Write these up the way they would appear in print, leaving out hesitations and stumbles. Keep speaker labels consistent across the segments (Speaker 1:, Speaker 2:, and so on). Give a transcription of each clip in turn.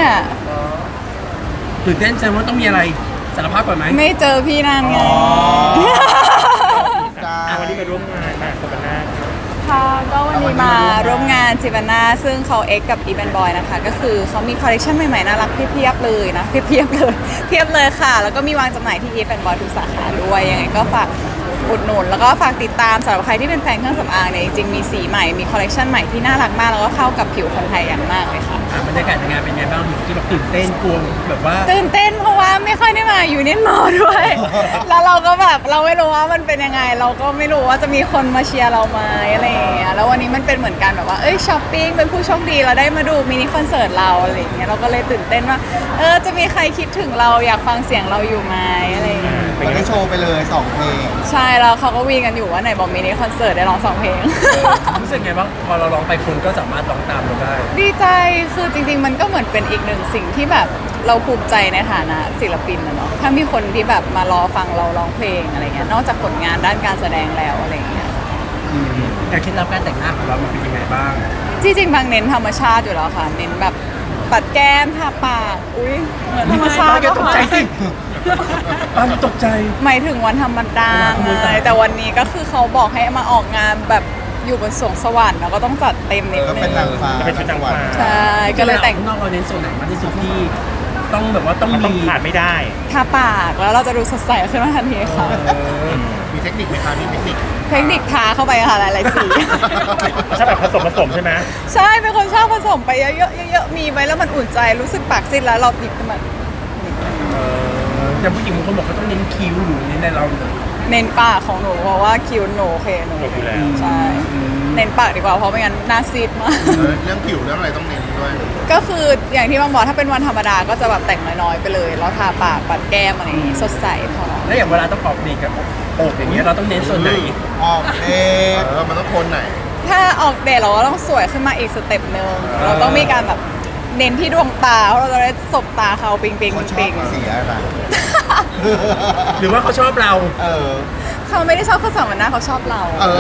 Speaker 1: ตื่นเต้นแสดงว่าต้องมีอะไรสารภาพก่อนไหม
Speaker 2: ไม่เจอพี่นานไง
Speaker 3: วันนี้มาร่วมงานมาสปานา
Speaker 2: ค่ะก็วันนี้มาร่วมงานจิบาน่าซึ่งเขาเอ็กกับอีแบนบอยนะคะก็คือเขามีคอลเลคชันใหม่ๆน่ารักเพียบเลยนะเพียบเลยเพียบเลยค่ะแล้วก็มีวางจำหน่ายที่อีแบนบอยทุกสาขาด้วยยังไงก็ฝากอุดหนุนแล้วก็ฝากติดตามสำหรับใครที่เป็นแฟนเครื่องสำอางเนี่ยจริงๆมีสีใหม่มีคอลเลคชันใหม่ที่น่ารักมากแล้วก็เข้ากับผิวคนไทยอย่างมากเลยค่ะ
Speaker 1: บรรยากาศในงานเป็นไงบ้างที่แบบตื่นเต้นกลัวแบบว่า
Speaker 2: ตื่นเต้นเพราะว่าไม่ค่อยได้มาอยู่เนียนมอด้วย แล้วเราก็แบบเราไม่รู้ว่ามันเป็นยังไงเราก็ไม่รู้ว่าจะมีคนมาเชียร์เราไหมอะไรอย่างเงี้ยแล้ววันนี้มันเป็นเหมือนกันแบบว่าช้อปปิ้งเป็นผู้โชคดีเราได้มาดูมินิคอนเสิร์ตเราอะไรอย่างเงี้ยเราก็เลยตื่นเต้นว่าจะมีใครคิดถึงเราอยากฟังเสียงเราอยู่ไหมอะไรอย่างเงี้ย
Speaker 4: วันนี้โชว์ไปเลย2เพลง
Speaker 2: ใช่แล้วเขาก็วีกันอยู่ว่าไหนบอกมินิคอนเสิร์ตได้ร้อง2เพลง
Speaker 1: รู้สึกไงบ้างพอเราร้องไปคนก็สามารถร้องตามเราได้
Speaker 2: ดีใจคือจริงๆมันก็เหมือนเป็นอีกหนึ่งสิ่งที่แบบเราภูมิใจในฐานะศิลปินนะเนาะถ้ามีคนที่แบบมารอฟังเราร้องเพลงอะไรเงี้ยนอกจากผลงานด้านการแสดงแล้วอะไรเงี้ย
Speaker 1: การเคล็ดลับการแต่งหน้าของเรามันเป็นยังไงบ้าง
Speaker 2: ที่จริงบางเน้นธรรมชาติอยู่แล้วค่ะเน้นแบบปัดแก้มทาปากอุ้ยเหมือนธรรมชาติ
Speaker 1: ก็ตกใจสิป้าตกใจ
Speaker 2: หมายถึงวันธรรมดาแต่วันนี้ก็คือเขาบอกให้มาออกงานแบบอยู่บนสวงสวรรค์แล้วก็ต้องจัดเต็มนิดนึง
Speaker 4: เป็นนางฟ้า
Speaker 3: เป็นชุดนางฟ้า
Speaker 2: ใช่ก็เลยแต่ง
Speaker 1: นอกเราเน้นส่วนไหนมากที่สุดที่ต้องแบบว่าต้อง
Speaker 3: ขาดไม่ได้
Speaker 2: ทาปากแล้วเราจะดูสดใสขึ้นมาทันทีค่ะ
Speaker 4: มีเทคนิคไหมคะมีเทคนิค
Speaker 2: ทาเข้าไปค่ะหลายๆสี
Speaker 3: ชอบแบบผสมใช่ไหม
Speaker 2: ใช่เป็นคนชอบผสมไปเยอะๆมีไว้แล้วมันอุ่นใจรู้สึกปากซีดแล้วเราหยิบขึ้นมา
Speaker 1: แต่ผู้หญิงบางคนบอกเขาต้องเน้นคิ้วหรือเน้นในเรา
Speaker 2: เน้นปากของหนูเพราะว่าคิ้วหนูโอเคหนูใช่เน้นปากดีกว่าเพราะไม่งั้นหน้าซีดมาก
Speaker 4: เรื่องผิวเรื่องอะไรต้องเน้นด้วย
Speaker 2: ก็คืออย่างที่บางบอกถ้าเป็นวันธรรมดาก็จะแบบแต่งน้อยๆไปเลยแล้วทาปากปัดแก้มอะไรอย่างงี้สดใสพอ
Speaker 1: แล้วอย่างเวลาต้องออกเดทกับโอบอย่างเงี้ยเราต้องเน้นส่วนไหน
Speaker 4: ออกเดทมันต้องโทนไหน
Speaker 2: ถ้าออกเดทเราก็ต้องสวยขึ้นมาอีกสเต็ปนึงเราต้องมีการแบบเน้นที่ดวงตาเพราะเราจะได้สบตาเขาปิง
Speaker 4: เขาชอบสีอะไร
Speaker 1: หรือว่าเขาชอบเรา
Speaker 2: เขาไม่ได้ชอบข้อสามวันหน้าเขาชอบเรา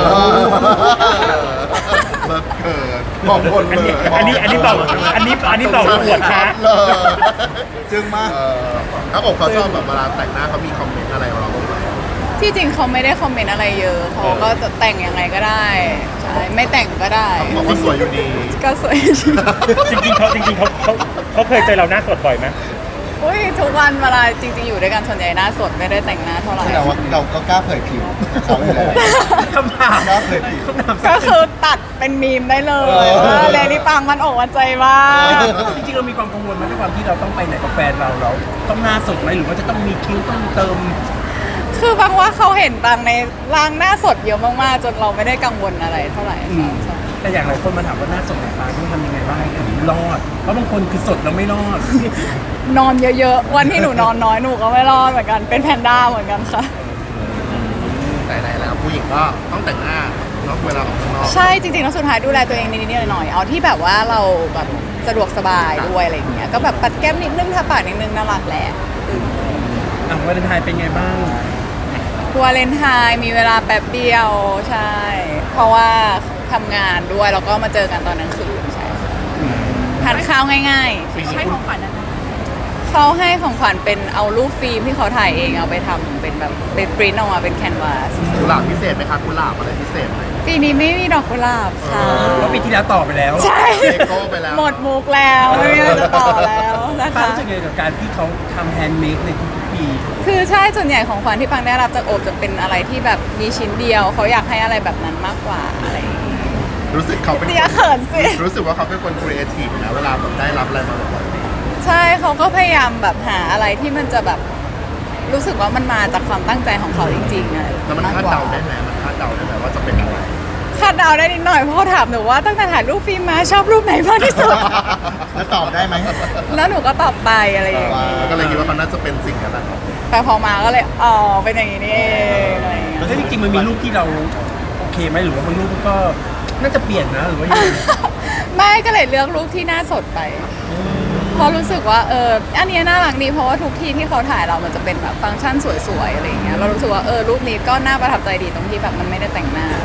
Speaker 4: เกิดบอกคนเลย
Speaker 3: อันนี้เบาปวดค่ะ
Speaker 4: จึงมากถ้าบอกเขาชอบแบบเวลาแต่งหน้าเขามีคอมเมนต์อะไรเราบ้างไหม
Speaker 2: ที่จริงเขาไม่ได้คอมเมนต์อะไรเยอะเขาก็จะแต่งยังไงก็ได้ใช่ไม่แต่งก็ได้
Speaker 4: เขาบอกว่าสวยอยู่ดี
Speaker 2: ก็สวย
Speaker 3: จริงเขาเคยเจอเราหน้าสดบ่อยไหม
Speaker 2: อุ้ยทุกวันเวลาจริงๆอยู่ด้วยกันส่วนใหญ่หน้าสดไม่ได้แต่งหน้าเท่าไหร่
Speaker 4: แต่ว่าเราก็กล้าเผยผิวเขาเลย
Speaker 1: คำถาม
Speaker 4: กล้าเผยผิว
Speaker 2: ก็คือตัดเป็นมีมได้เลยเลยนี่ปังมันอกมันใจมาก
Speaker 1: จริงๆเรามีความกังวลไหมด้วยความที่เราต้องไปไหนกับแฟนเราต้องหน้าสดไหมหรือว่าจะต้องมีคิ้วต้องเติม
Speaker 2: คือบางว่าเขาเห็นบางในร่างหน้าสดเยอะมากๆจนเราไม่ได้กังวลอะไรเท่าไหร่
Speaker 1: แต่อย่างหลายคนมาถามว่าหน้าสดของตาต้องทำยังไงบ้างถึงรอดเพราะบางคนคือสดแล้วไม่รอด
Speaker 2: นอนเยอะๆวันที่หนูนอนน้อยหนูก็ไม่รอดเหมือนกันเป็นแพนด้าเหมือนกันค่ะ
Speaker 4: แต่ไหนแล้วผู้หญิงก็ต้องแต่งหน้าเนาะเวลาออกข้างนอก
Speaker 2: ใช่จริงๆแล้วสุดท้ายดูแลตัวเองนิดๆหน่อยๆเอาที่แบบว่าเราแบบสะดวกสบายด้วยอะไรอย่างเงี้ยก็แบบปัดแก้มนิดนึงทาปากนิดนึงน่ารักแหละ
Speaker 1: วาเลนไทน์เป็นไงบ้าง
Speaker 2: วาเลนไทน์มีเวลาแป๊บเดียวใช่เพราะว่าทำงานด้วยแล้วก็มาเจอกันตอนกลางคืนใช่ทานข้าวง่ายๆให้ของขวัญเขาให้ของขวัญเป็นเอารูปฟิล์มที่เขาถ่ายเองเอาไปทำเป็นแบบเป็นปริ้นออกมาเป็นแคนวาส
Speaker 4: กุหลาบพิเศษไหมคะกุหลาบอะไรพิเศษไหม
Speaker 2: ปีนี้ไม่มีดอกกุหลาบค่ะ
Speaker 1: เพราะปีที่แล้วต่อไปแล้ว
Speaker 2: ใช่หมดมุกแล้วไม่มีอะไรจะต่อแล้วนะคะ
Speaker 1: รู้สึกยังไงกับการที่เขาทำแฮนด์เมดในทุกปี
Speaker 2: คือใช่ส่วนใหญ่ของขวัญที่ปังได้รับจากโอบจะเป็นอะไรที่แบบมีชิ้นเดียวเขาอยากให้อะไรแบบนั้นมากกว่าอะไร
Speaker 4: รู้สึกเขาเป็น
Speaker 2: เขินสิ
Speaker 4: รู้สึกว่าเขาเป็นคนครีเอทีฟนะเวลาแบบได้รับอะไรมาบ่อย
Speaker 2: ใช่เขาก็พยายามแบบหาอะไรที่มันจะแบบรู้สึกว่ามันมาจากความตั้งใจของเขาจริงๆอะ
Speaker 4: แล้วมันคาดเดาได้ไหมว่าจะเป็นอะไร
Speaker 2: คาดเดาได้นิดหน่อยเพราะเขาถามหนูว่าตั้งแต่ถ่ายรูปฟิล์มมาชอบรูปไหนมากที่สุด
Speaker 4: แล้วตอบได้ไหม
Speaker 2: แล้วหนูก็ตอบไปอะไรอย่างเงี้ย
Speaker 4: ก็เลยคิดว่ามันน่าจะเป็นสิ่งนั้น
Speaker 2: แต่พอมาก็เลยอ๋อเป็นอย่างนี้นี่เองอะไรอย่างเงี้ย
Speaker 1: แล้วจริงๆมันมีรูปที่เราโอเคไหมหรือว่าบางรูปก็น่าจะเปลี่ยนนะหรือว่ายังไง
Speaker 2: ไม่ก็เลยเลือกรูปที่หน้าสดไปเพราะรู้สึกว่าอันนี้น่ารักดีเพราะว่าทุกที่ที่เขาถ่ายเรามันจะเป็นแบบฟังก์ชันสวยๆอะไรอย่างเงี้ยเรารู้สึกว่ารูปนี้ก็น่าประทับใจดีตรงที่แบบมันไม่ได้แต่งหน้า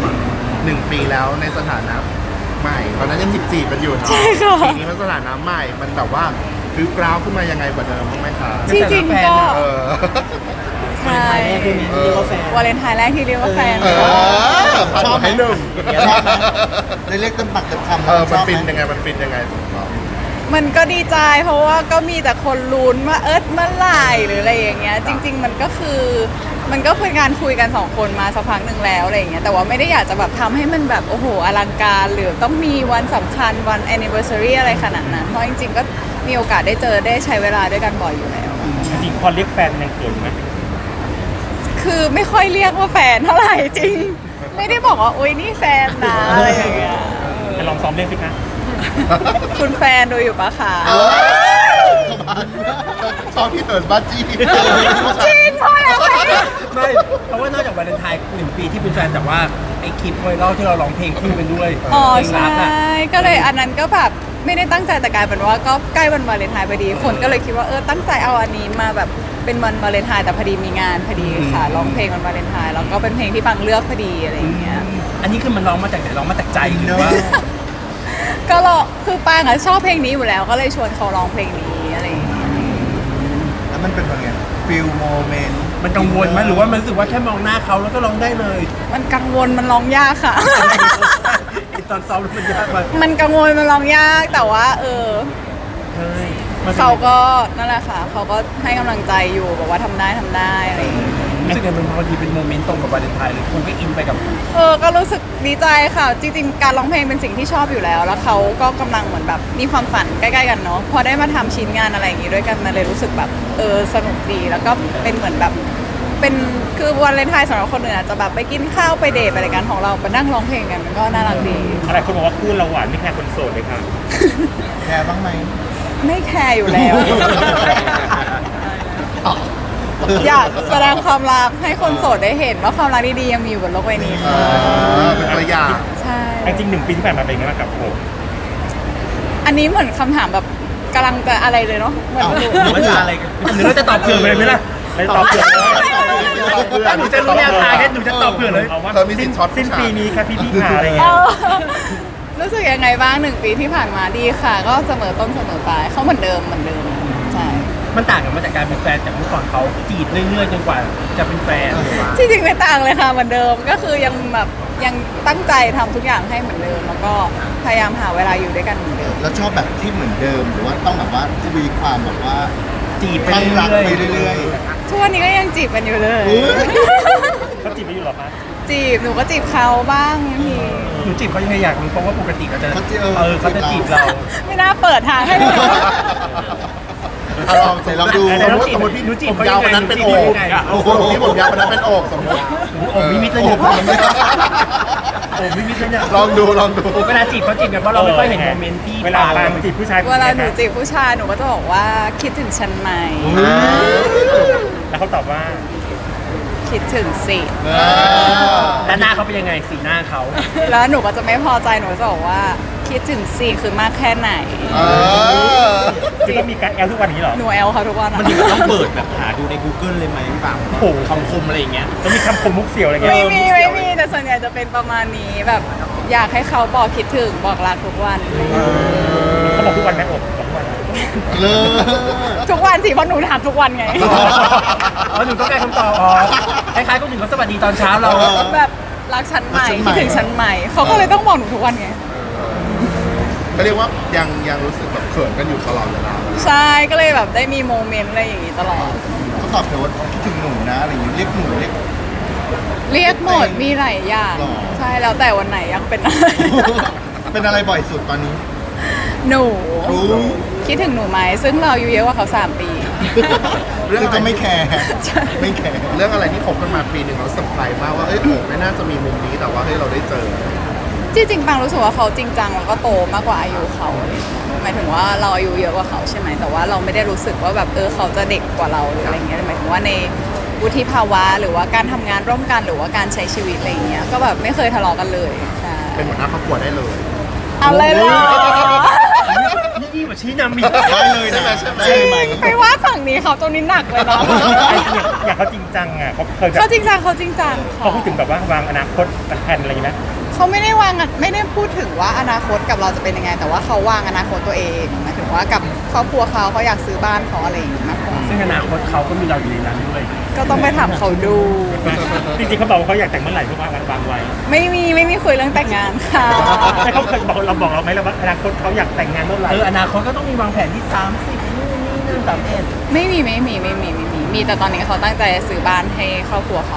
Speaker 4: 1 ปีแล้วในสถานะใหม่ตอนนั้นยัง14กันอยู่เนาะปีนี้มันสถานะใหม่มันแบบว่าริ้วกร้าวขึ้นมายังไงกว่าเดิมบ้างไหมคะ
Speaker 2: ที่จริงก็
Speaker 4: เออ
Speaker 2: ใช่วาเลนไทน์แรกที่เรียกว่าแฟน
Speaker 4: เออชอบให้หนึ่ง
Speaker 5: ได้เรียกเต็มปากเต็มคำ
Speaker 4: มัน
Speaker 5: ชอบ
Speaker 4: ฟิน
Speaker 5: ไหม
Speaker 4: ยังไงมันฟินยังไงสำหรับเรา
Speaker 2: มันก็ดีใจเพราะว่าก็มีแต่คนลุ้นว่าเมื่อไหร่หรืออะไรอย่างเงี้ยจริง ๆ มันก็เป็นการคุยกัน2คนมาสักพักหนึ่งแล้วอะไรอย่างเงี้ยแต่ว่าไม่ได้อยากจะแบบทำให้มันแบบโอ้โหอลังการหรือต้องมีวันสำคัญวัน anniversary อะไรขนาดนั้นเพราะจริง ๆ ก็มีโอกาสได้เจอได้ใช้เวลาด้วยกันบ่อยอยู่แล้ว
Speaker 3: จริงๆพอเรียกแฟนยังเขินไหม
Speaker 2: คือไม่ค่อยเรียกว่าแฟนเท่าไหร่จริง ไม่ได้บอกว่าโอ๊ยนี่แฟนนะอะไรอย่างเงี้ย
Speaker 3: ไปลองซ้อมเล่นสิคะ
Speaker 2: คุณแฟนดูอยู่ปะคะ
Speaker 4: ชอบที่เถิดบ้าจี้
Speaker 2: จริงพอแล้วค่ะ
Speaker 1: ไม่เพราะว่านอกจากวาเลนไทน์1 ปีที่เป็นแฟนแต่ว่าไอ้คลิปไวรัลที่เราร้องเพลงคู่กันด้วย
Speaker 2: อ๋อ
Speaker 1: เพลง
Speaker 2: ใช่
Speaker 1: รักอ่ะ
Speaker 2: ก็เลยอันนั้นก็แบบไม่ได้ตั้งใจแต่กลายเป็นว่าก็ใกล้วันวาเลนไทน์พอดีคนก็เลยคิดว่าตั้งใจเอาอันนี้มาแบบเป็นวันวาเลนไทน์แต่พอดีมีงานพอดีค่ะร้องเพลงวันวาเลนไทน์แล้วก็เป็นเพลงที่ปังเลือกพอดีอะไรอย่างเงี้ย
Speaker 1: อันนี้คือมันร้องมาจากไหนร้องมาจากใจหรือว่า
Speaker 2: ก็คือปังอ่ะชอบเพลงนี้อยู่แล้วก็เลยชวนเขาร้องเพลงนี้อะไรอย่างเงี้ย
Speaker 5: แล้วมันเป็นยังไงฟิลโมเมนต์
Speaker 1: มันกังวลไหมหรือว่ามันรู้สึกว่าแค่มองหน้าเขาแล้วก็ร้องได้เลย
Speaker 2: มันกังวลมันร้องยากค่ะ
Speaker 1: ไอ้ตอนซ้อมมันยากไป
Speaker 2: มันกังวลมันร้องยากแต่ว่า
Speaker 1: ใช่มัน
Speaker 2: เขาก็นั่นแหละค่ะเขาก็ให้กำลังใจอยู่บอกว่าทำได้อะไรอย่างเงี้ย
Speaker 1: รู้สึกไงมันพอดีเป็นโมเมนต์ตรงกับวาเลนไทน์เลยคุณก็อินไปกับ
Speaker 2: ก็รู้สึกดีใจค่ะ จริงๆ การร้องเพลงเป็นสิ่งที่ชอบอยู่แล้ว แล้วเขาก็กำลังเหมือนแบบมีความฝันใกล้ๆกันเนาะพอได้มาทำชิ้นงานอะไรอย่างงี้ด้วยกันมันเลยรู้สึกแบบสนุกดีแล้วก็เป็นเหมือนแบบเป็นคือวันเลนไทน์สำหรับคนอื่นอาจจะแบบไปกินข้าวไปเดทอะไรกันของเราไปนั่งร้องเพลงกันมันก็น่ารักดี
Speaker 3: อะไรคนบอกว่าคู่เราหวานไม่แค่คนโสดเลยค่ะ
Speaker 5: แคร์บ้างไหม
Speaker 2: ไม่แคร์อยู่แล้ว อยากแสดงความรักให้คนโสดได้เห็นว่าความรักดีๆยังมีอยู่บนโลกใบนี้ค่ะ
Speaker 4: เป็นตัวอย่าง
Speaker 2: ใช่
Speaker 3: จริงๆ1 ปีที่ผ่านมาเป็นไงบ้างกับผม
Speaker 2: อันนี้เหมือนคำถามแบบกำลังจะอะไรเลยเนาะเหมือนหนู
Speaker 1: หรือว่าจะอะไรกันหรือเราจะตอบเผื่อเลยไหมล่ะ
Speaker 3: ไม่ตอบเผื่อเลย
Speaker 1: ถ้าหนูจะรู้แนวทางเนี่ยหนูจะตอบเผื่อเลย
Speaker 3: เอาว่า
Speaker 4: เธอมีสิทธิ์ช็อต
Speaker 3: สิ้นปีนี้ค่ะพี่ขาอะไร
Speaker 2: เอ
Speaker 3: เงี้ย
Speaker 2: อรู้สึกยังไงบ้าง1 ปีที่ผ่านมาดีค่ะ ก็เสมอต้นเสมอปลายเขาเหมือนเดิมใช่
Speaker 1: มันต่างกันมาจากการเป็นแฟนจากเมื่อก่อนเขาจีบเรื่อยๆจนกว่าจะเป็นแฟนหรือว่า
Speaker 2: ที่จริงไม่ต่างเลยค่ะเหมือนเดิมก็คือยังแบบยังตั้งใจทำทุกอย่างให้เหมือนเดิม แล้วก็พยายามหาเวลาอยู่ด้วยกันเหมือนเดิม
Speaker 5: แล้วชอบแบบที่เหมือนเดิมหรือว่าต้องแบบว่าทวีความแบบว่า
Speaker 1: จีบไป
Speaker 5: ตั้งรัก
Speaker 1: เรื่อย
Speaker 5: ไปเรื่อย
Speaker 2: ทุกวันนี้ก็ยังจีบกันอยู่เลย
Speaker 5: อุ๊ย
Speaker 3: เขาจีบไม่อยู่หรอคะ
Speaker 2: จีบหนูก็จีบเขาบ้างบางที
Speaker 1: หนูจีบเขายังไงอยากรู้เพราะว่าปกติเขาจะ
Speaker 5: เขาจะ
Speaker 1: เขาจะจีบเรา
Speaker 2: ไม่น่าเปิดทางให้เลย
Speaker 5: ลองใส่ลองดู
Speaker 4: สมมติพี่
Speaker 1: หนูจีบ
Speaker 4: ผม
Speaker 1: เขา
Speaker 4: ยา
Speaker 1: ยั
Speaker 4: ว
Speaker 1: งไง
Speaker 4: วันนั้นเป็น
Speaker 1: ห
Speaker 4: โอ
Speaker 1: จีบ
Speaker 4: ก
Speaker 1: เขายังไง
Speaker 4: โอ้โหพี่ผมยาววันนั้นเป็นโอกสมมติ
Speaker 1: โอ้ไม่มิดเลยเนี่ยโอ้ไม่มิดเลยเนี่ย
Speaker 4: ลองดู
Speaker 1: เวลาจีบเขาจีบกันเพราะเราไม่ค่อยเห็นโมเมนต์ที่
Speaker 3: เวลาปางจีบผู้ชาย
Speaker 2: เวลาหนูจีบผู้ชายหนูก็จะบอกว่าคิดถึงฉันไหม
Speaker 3: แล้วเขาตอบว่า
Speaker 2: คิดถึงสิ
Speaker 1: แล้วหน้าเขาเป็นยังไงสีหน้าเขา
Speaker 2: แล้วหนูก็จะไม่พอใจหนูก็จะบอกว่าคิดถึงสิคือมากแค่ไหน
Speaker 3: คือต้องมีการแอลทุกวันนี้เหรอ
Speaker 2: หนูแอลเขาทุกวันอะ
Speaker 6: มันถึงต้องเปิดแบบหาดูใน Google เลยไหมพี่ปัง
Speaker 3: โอ้โห
Speaker 6: คำคมอะไรอย่างเงี้ย
Speaker 3: ต้องมีคำคมมุกเสี่ยวอะไรเงี้ย
Speaker 2: ไม่มีแต่ส่วนใหญ่จะเป็นประมาณนี้แบบอยากให้เขาบอกคิดถึงบอกรักทุกวัน
Speaker 3: เขาบอกทุกวันไหมอกบอกทุกวัน
Speaker 5: เลิศ
Speaker 2: ทุกวันสิเพราะหนูถามทุกวันไง
Speaker 1: อ๋อหนูต้องการคำตอบอ๋อคล้ายๆคนอื่นเขาสวัสดีตอนเช้าเรา
Speaker 2: แบบรักฉันใหม่คิดถึงฉันใหม่เขาก็เลยต้องบอกหนูทุกวันไง
Speaker 4: ก็เรียกว่ายังรู้สึกแบบเขินกันอยู่ตลอดเวลา
Speaker 2: ใช่ก็เลยแบบได้มีโมเมนต์อะไรอย่างงี้ตลอด
Speaker 5: เขาตอบเธอว่าคิดถึงหนูนะอะไรอย่างงี้เรียกหนูเรียก
Speaker 2: เรียกหมดมีหลายอย่าง
Speaker 5: หรอ
Speaker 2: ใช่แล้วแต่วันไหนยังเป็นอะไร
Speaker 5: เป็นอะไรบ่อยสุดตอนนี้
Speaker 2: หนู
Speaker 5: รู้
Speaker 2: คิดถึงหนูไหมซึ่งเราอายู่เยอะกว่าเขา3 ปี
Speaker 5: เรื่องก็ไม่แคร์ไม่แคร์
Speaker 4: เรื่องอะไรที่คบกันมาปีหนึ่งเราเซอร์ไพรส์มากว่าโอ้ไม่น่าจะมีมุมนี้แต่ว่าเราได้เจอ
Speaker 2: ที่จริงปังรู้สึกว่าเขาจริงจังแล้วก็โตมากกว่าอายุเขาหมายถึงว่าเราอายุเยอะกว่าเขาใช่ไหมแต่ว่าเราไม่ได้รู้สึกว่าแบบเขาจะเด็กกว่าเราหรืออะไรเงี้ยหมายถึงว่าในวุฒิภาวะหรือว่าการทำงานร่วมกันหรือว่าการใช้ชีวิตอะไรเงี้ยก็แบบไม่เคยทะเลาะกันเลยใช่
Speaker 4: เป็นหัวหน้าครอบครัวได้เลย
Speaker 2: เอาเลยเหรอ
Speaker 1: นี่ดีกว่าชี้นำอีก
Speaker 5: ได้เลยนะ
Speaker 4: ใช่ไหม
Speaker 2: จริงไปว่าฝั่งนี้เขาตรงนี้หนักเลยนะ
Speaker 3: อยากเขาจริงจังอ่ะเขาเคยแบบ
Speaker 2: เขาจริงจังเขาจริงจัง
Speaker 3: เขาพูดถึงแบบว่าวางอนาคตแผนอะไรอย่างเงี้ย
Speaker 2: เเขาไม่ได้วางไม่ได้พูดถึงว่าอนาคตกับเราจะเป็นยังไง แต่ว่าเขาวางอนาคตตัวเองหมายถึงว่ากับครอบครัวเขาอยากซื้อบ้านเขาอะไรอย่างเงี้ยมากกว่า
Speaker 1: ซึ่งอนาคตเขาก็มีเราอยู่ในนั้นด้วย
Speaker 2: ก็ต้องไปถามเขาดู
Speaker 3: จริงๆเขาบอกว่าเขาอยากแต่งเมื่อไหร่เขาวางไว้
Speaker 2: ไม่มีคุยเรื่องแต่งงานค่ะ
Speaker 3: แต่เขาเคยบอกเราไหมว่าอนาคตเขาอยากแต่งงานเมื่อไหร่
Speaker 1: อนาคตก็ต้องมีวางแผนที่30นู่นนี่นั่น31
Speaker 2: ไม่มีแต่ตอนนี้เขาตั้งใจซื้อบ้านให้ครอบครัวเขา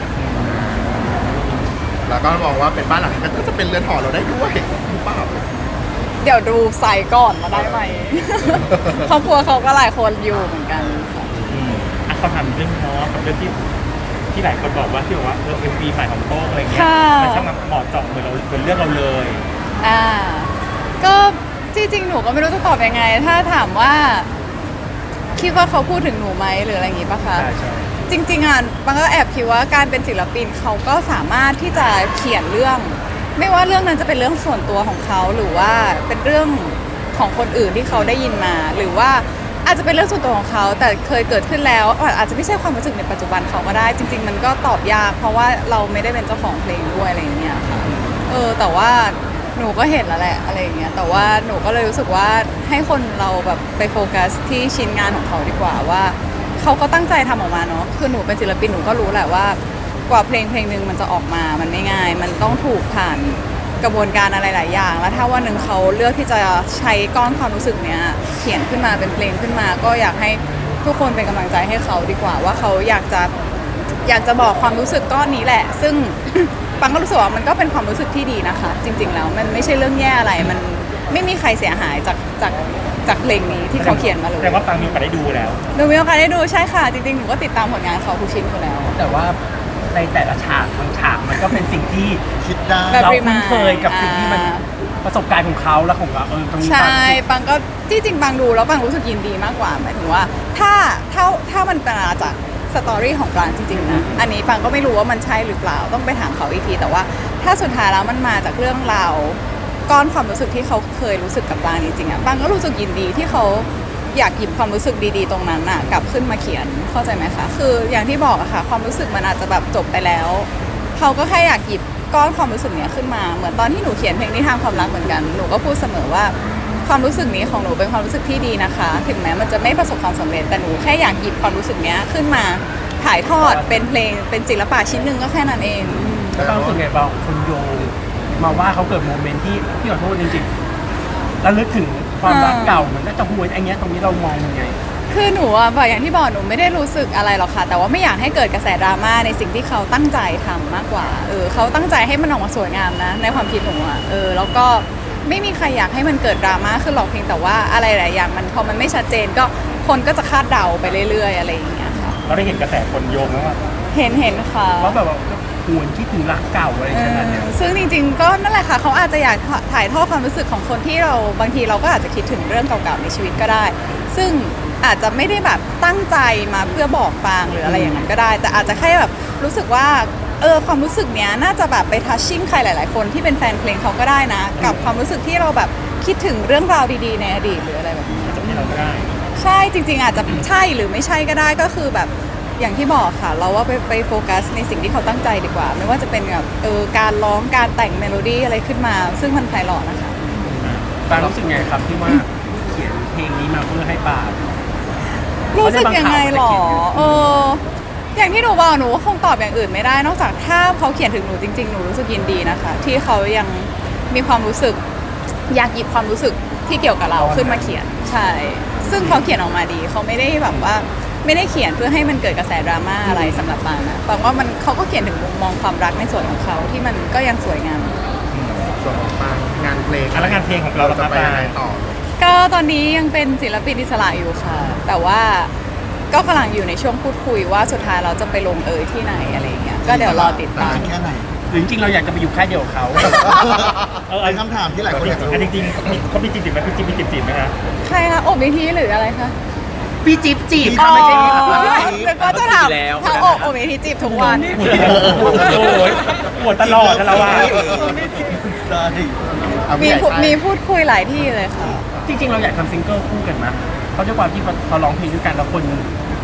Speaker 4: แล้วก็มองว่าเป็นบ้านหลังนี้ก็จะเป็นเรือนหอเราได้ด้วยหรือเปล่า
Speaker 2: เดี๋ยวดูไซส์ก่อนมาได้ไหม ครอบครัวเขาก็หลายคนอยู่เหมือนกันค่ะ
Speaker 3: อ่ะเขาถามเรื่องน้องกับเรื่องที่หลายคนบอกว่าที่บอกว่าMV ใหม่ของโต้งอะไรเงี้ยมันช่างเหมาะเจาะเหมือนเรื่องเราเลย
Speaker 2: ก็จริงๆหนูก็ไม่รู้จะตอบยังไง ถ้าถามว่าคิดว่าเขาพูดถึงหนูไหมหรืออะไรอย่างงี้ปะคะ
Speaker 3: ใช่
Speaker 2: จริงๆอ่ะบางก็แอบคิดว่าการเป็นศิลปินเขาก็สามารถที่จะเขียนเรื่อง ไม่ว่าเรื่องนั้นจะเป็นเรื่องส่วนตัวของเขาหรือว่าเป็นเรื่องของคนอื่นที่เขาได้ยินมา หรือว่าอาจจะเป็นเรื่องส่วนตัวของเขาแต่เคยเกิดขึ้นแล้วอาจจะไม่ใช่ความรู้สึกในปัจจุบันเขาก็ได้ จริง ๆ มันก็ตอบยากเพราะว่าเราไม่ได้เป็นเจ้าของเพลงด้วยอะไรอย่างเงี้ยค่ะแต่ว่าหนูก็เห็นแล้วแหละอะไรอย่างเงี้ยแต่ว่าหนูก็เลยรู้สึกว่าให้คนเราแบบไปโฟกัสที่ชิ้นงานของเขาดีกว่าว่าเขาก็ตั้งใจทำออกมาเนาะคือหนูเป็นศิลปินหนูก็รู้แหละว่ากว่าเพลงหนึ่งมันจะออกมามันไม่ง่าย มันต้องถูกผ่านกระบวนการอะไรหลายอย่างแล้วถ้าวันหนึ่งเขาเลือกที่จะใช้ก้อนความรู้สึกเนี้ยเขียนขึ้นมาเป็นเพลงขึ้นมา ก็อยากให้ทุกคนเป็นกำลังใจให้เขาดีกว่าว่าเขาอยากจะบอกความรู้สึกก้อนนี้แหละ ซึ่ง ปังก็รู้สึกว่ามันก็เป็นความรู้สึกที่ดีนะคะ จริง ๆ แล้วมันไม่ใช่เรื่องแย่อะไรมันไม่มีใครเสียหายจากเพลงนี้ที่เขาเขียนมาเลย
Speaker 3: แต่ว่าปังมีโอกาสได้ดูแล้ว
Speaker 2: หนูมีโอกาสได้ดูใช่ค่ะจริงๆหนูก็ติดตามผลงานเขาทุกชิ้นอยู่แล้ว
Speaker 1: แต่ว่าในแต่ละฉากบางฉากมันก็เป็นสิ่งที่
Speaker 5: คิดได้
Speaker 2: แบบ
Speaker 1: เราคุ้นเคยกับสิ่งที่มันประสบการณ์ของเขาและของเราตรงนี้
Speaker 2: ใช่ปังก็ที่จริงปังดูแล้วปังรู้สึกยินดีมากกว่าหมายถึงว่าถ้ามันเป็นมาจากสตอรี่ของปรางจริงๆนะอันนี้ปังก็ไม่รู้ว่ามันใช่หรือเปล่าต้องไปถามเขาอีกทีแต่ว่าถ้าสุดท้ายแล้วมันมาจากเรื่องราวก้อนความรู้สึกที่เขาเคยรู้สึกกับปรางจริงๆอ่ะปังก็รู้สึกยินดีที่เขาอยากหยิบความรู้สึกดีๆตรงนั้นน่ะกลับขึ้นมาเขียนเข้าใจไหมคะคืออย่างที่บอกอะค่ะความรู้สึกมันอาจจะแบบจบไปแล้วเขาก็แค่อยากหยิบก้อนความรู้สึกเนี้ยขึ้นมาเหมือนตอนที่หนูเขียนเพลงนิทานความรักเหมือนกันหนูก็พูดเสมอว่าความรู้สึกนี้ของหนูเป็นความรู้สึกที่ดีนะคะ ถึงแม้มันจะไม่ประสบความสำเร็จแต่หนูแค่อยากหยิบความรู้สึกเนี้ยขึ้นมาถ่ายทอดเป็นเพลงเป็นศิลปะชิ้นหนึ่งก็แค่นั้นเอง
Speaker 1: แล้วก็รู้สึกไงบ้างคนโยงมาว่าเขาเกิดโมเมนต์ที่พี่ขอโทษจริงๆแล้วนึกถึงความรักเก่าเหมือนน่าจะหวยไอ้เงี้ยตรงนี้เรามองยังไง
Speaker 2: คือหนูอะแบบอย่างที่บอกหนูไม่ได้รู้สึกอะไรหรอกค่ะแต่ว่าไม่อยากให้เกิดกระแสดราม่าในสิ่งที่เขาตั้งใจทำมากกว่าเขาตั้งใจให้มันออกมาสวยงามนะในความคิดหนูอะแล้วก็ไม่มีใครอยากให้มันเกิดดราม่าขึ้นหรอกเพียงแต่ว่าอะไรหลายอย่างมันพอมันไม่ชัดเจนก็คนก็จะคาดเดาไปเรื่อยๆอะไรอย่างเงี้ยค่ะ
Speaker 3: เราได้เห็นกระแสคนโยงไหมว่า
Speaker 2: เห็นค่ะ
Speaker 1: ว่าแบบว่าหวนคิดถึงรักเก่าอะไรขนาดเนี้ย
Speaker 2: ซึ่งจริงๆก็นั่นแหละค่ะเขาอาจจะอยากถ่ายทอดความรู้สึกของคนที่เราบางทีเราก็อาจจะคิดถึงเรื่องเก่าๆในชีวิตก็ได้ ซึ่งอาจจะไม่ได้แบบตั้งใจมาเพื่อบอกปางหรืออะไรอย่างนั้นก็ได้ แต่อาจจะแค่แบบรู้สึกว่าความรู้สึกเนี้ยน่าจะแบบไปทัชชิ่งใครหลายๆคนที่เป็นแฟนเพลงเขาก็ได้นะ กับความรู้สึกที่เราแบบคิดถึงเรื่องราวดีๆในอดีตหรืออะไรแบบนี้
Speaker 3: จะที่เราก็ได้
Speaker 2: ใช่จริงๆอาจจะใช่หรือไม่ใช่ก็ได้ก็คือแบบอย่างที่บอกค่ะ เราว่าไปโฟกัสในสิ่งที่เขาตั้งใจดีกว่า ไม่ว่าจะเป็นแบบการร้องการแต่งเมโลดี้อะไรขึ้นมา ซึ่งมันไพเราะนะคะ
Speaker 1: ปางรู้สึกไงครับที่ว่าเขียนเพลงนี้มาเพื่อให้ปาง
Speaker 2: รู้สึกยังไงหรออย่างที่หนูบอกหนูก็คงตอบอย่างอื่นไม่ได้ นอกจากถ้าเขาเขียนถึงหนูจริงๆหนูรู้สึกยินดีนะคะ ที่เขายังมีความรู้สึกอยากหยิบความรู้สึกที่เกี่ยวกับเราขึ้นมาเขียนใช่ซึ่งเขาเขียนออกมาดีเขาไม่ได้แบบว่าไม่ได้เขียนเพื่อให้มันเกิดกระแสดราม่าอะไรสำหรับปางนะปางว่ามันเขาก็เขียนถึงมุมมองความรักในส่วนของเขาที่มันก็ยังสวยงาม
Speaker 4: ส่วนของปางงานเพลง
Speaker 3: แล้วงานเพลงของเรา
Speaker 4: จะไปยังไงต่อ
Speaker 2: ก็ตอนนี้ยังเป็นศิลปินอิสระอยู่ค่ะ แต่ว่าก็กำลังอยู่ในช่วงพูดคุยว่าสุดท้ายเราจะไปลงที่ไหนอะไรอย่างเงี้ยก็เดี๋ยวรอติดตาม
Speaker 5: แค่ไหน
Speaker 1: หรือจริงๆเราอยากจะไปอยู่ค่ายเดียวกับเขา
Speaker 5: เป็นคำถามที่หลายคนอยากรู้
Speaker 3: จริงๆเขามีจีบไหมพี่จิ๊บมีจีบไหมคะ
Speaker 2: ใครคะอบวิธีหรืออะไรคะ
Speaker 1: พี่จิ๊บจีบ
Speaker 2: อ๋อ
Speaker 1: เขาไม่ใช่พี่
Speaker 2: แล้วก็จะถามถ้าอบวิธีจีบทุกวัน
Speaker 3: โอ้ยปวดตลอดนะเราว่า
Speaker 5: ได้
Speaker 2: มีพูดคุยหลายที่เลยค่ะ
Speaker 1: จริงๆเราอยากทำซิงเกิลคู่กันนะเพราะด้วยความที่พอร้องเพลงด้วยกันแล้วคน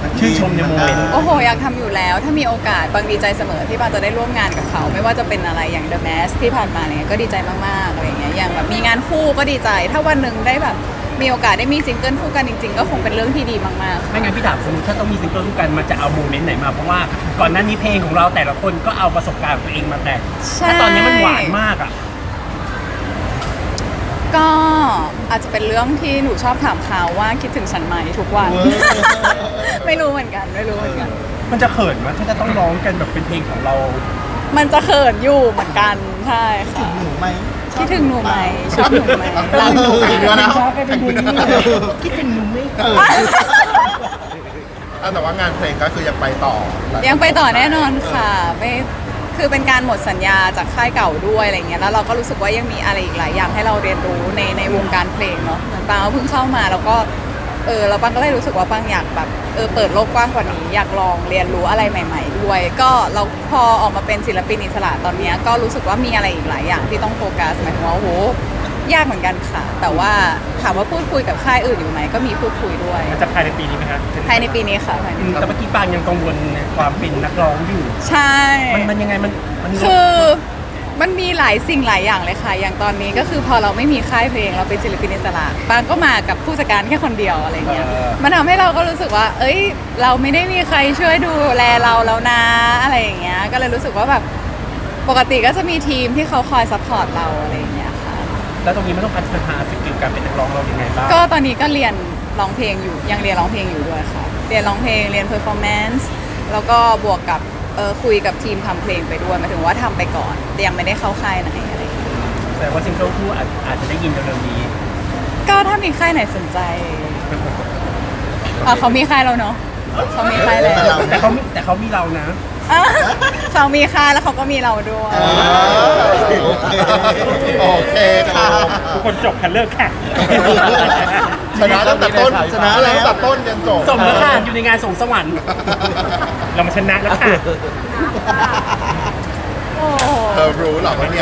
Speaker 1: ชื่นชมในโมเมนต์
Speaker 2: โอ้โหอยากทำอยู่แล้วถ้ามีโอกาสบางดีใจเสมอที่บางจะได้ร่วมงานกับเขา ไม่ว่าจะเป็นอะไรอย่าง The Mask ที่ผ่านมาเนี่ยก็ดีใจมากๆอะไรอย่างเงี้ยอย่างแบบมีงานคู่ก็ดีใจ ถ้าวันหนึ่งได้แบบมีโอกาสได้มีซิงเกิลคู่กันจริงๆ ก็คงเป็นเรื่องที่ดีมากๆ
Speaker 1: ไม่งั้นพี่ถามสมมติถ้าต้องมีซิงเกิลคู่กันมันจะเอาโมเมนต์ไหนมาเพราะว่าก่อนหน้านี้เพลงของเราแต่ละคนก็เอาประสบการณ์ของตัวเองมาแต่ง
Speaker 2: ใช่
Speaker 1: ถ้าตอนนี้มันหวานมากอ่ะ
Speaker 2: ก็อาจจะเป็นเรื่องที่หนูชอบถามเขาว่าคิดถึงฉันไหมทุกวัน ไม่รู้เหมือนกันไม่รู้เหมือนกัน
Speaker 1: มันจะเขินไหมถ้าจะต้องร้องกันแบบเป็นเพลงของเรา
Speaker 2: มันจะเขินอยู่เหมือนกันใช่ค่ะ
Speaker 5: หนูไหม
Speaker 2: คิดถึงหนูไหมชอบหนูไหมรักหนูไหม
Speaker 5: อีกแล้วนะ
Speaker 1: ชอบกันเป็นเพลงนี้คิดถึงหนูไหม
Speaker 4: แต่ว่างานเพลงก็คือยังไปต่อ
Speaker 2: ยังไปต่อแน่นอนค่ะไม่คือเป็นการหมดสัญญาจากค่ายเก่าด้วยอะไรเงี้ยแล้วเราก็รู้สึกว่ายังมีอะไรอีกหลายอย่างให้เราเรียนรู้ในวงการเพลงเนาะเหมือนปังก็เพิ่งเข้ามาแล้วก็แล้วปังก็เลยรู้สึกว่าปังอยากแบบเปิดโลกกว้างกว่านี้อยากลองเรียนรู้อะไรใหม่ ๆ ด้วย ก็เราพอออกมาเป็นศิลปินอิสระตอนเนี้ยก็รู้สึกว่ามีอะไรอีกหลายอย่างที่ต้องโฟกัสหมายถึงว่าโอ้โหยากเหมือนกันค่ะ แต่ว่าถามว่าพูดคุยกับค่ายอื่นอยู่ไหมก็มีพูดคุยด้วย
Speaker 3: มันจะภายในปีนี้ไหมคะ
Speaker 2: ภายในปีนี้ค่ะภายใน
Speaker 1: แต่เมื่อกี้ปางยังกังวลในความเป็นนักร้องอยู่
Speaker 2: ใช่
Speaker 1: มันยังไงมัน
Speaker 2: คือมันมีหลายสิ่งหลายอย่างเลยค่ะ อย่างตอนนี้ก็คือพอเราไม่มีค่ายเพลงเราเป็นศิลปินอิสระปางก็มากับผู้จัดการแค่คนเดียวอะไรเงี้ย มันทำให้เราก็รู้สึกว่า เอ้ย เราไม่ได้มีใครช่วยดูแลเราแล้วนะอะไรอย่างเงี้ย ก็เลยรู้สึกว่าแบบปกติก็จะมีทีมที่เขาคอยซัพพอร์ตเราอะไรอย่างเงี้ยค่ะ
Speaker 1: แล้วตรงนี้มันต้องพัฒนาสกิลการเป็นนักร้องเรายังไงบ้าง
Speaker 2: ก็ตอนนี้ก็เรียนร้องเพลงอยู่ยังเรียนร้องเพลงอยู่ด้วยค่ะ เรียนร้องเพลงเรียนเพอร์ฟอร์แมนซ์แล้วก็บวกกับคุยกับทีมทำเพลงไปด้วยหมายถึงว่าทำไปก่อนแต่ยังไม่ได้เข้าค่ายไหนอะไรอย่างเงี้ย
Speaker 1: แต่ว่าซิงเกิลคู่อาจจะได้ยินเร็วๆนี้
Speaker 2: ก็ถ้ามีค่ายไหนสนใจเขามีค่ายแล้วเนาะเขามีค่ายแล้ว
Speaker 1: แต่เขามีเรานะ
Speaker 2: เขามีค่ายแล้วเขาก็มีเราด้วย
Speaker 4: โอเคค่ะ
Speaker 3: ทุกคนจบคันเลิกค่ะ
Speaker 4: ชนะตั้งแต่ต้นชนะแล้วตั้งแต่ต้นยันจบ
Speaker 1: ส่งแล้วค่ะอยู่ในงานส่งสวรรค์
Speaker 3: เรามาชนะแล้วค่ะ
Speaker 2: โอ้โห
Speaker 4: เธอรู้เหรอว่าเนี่ย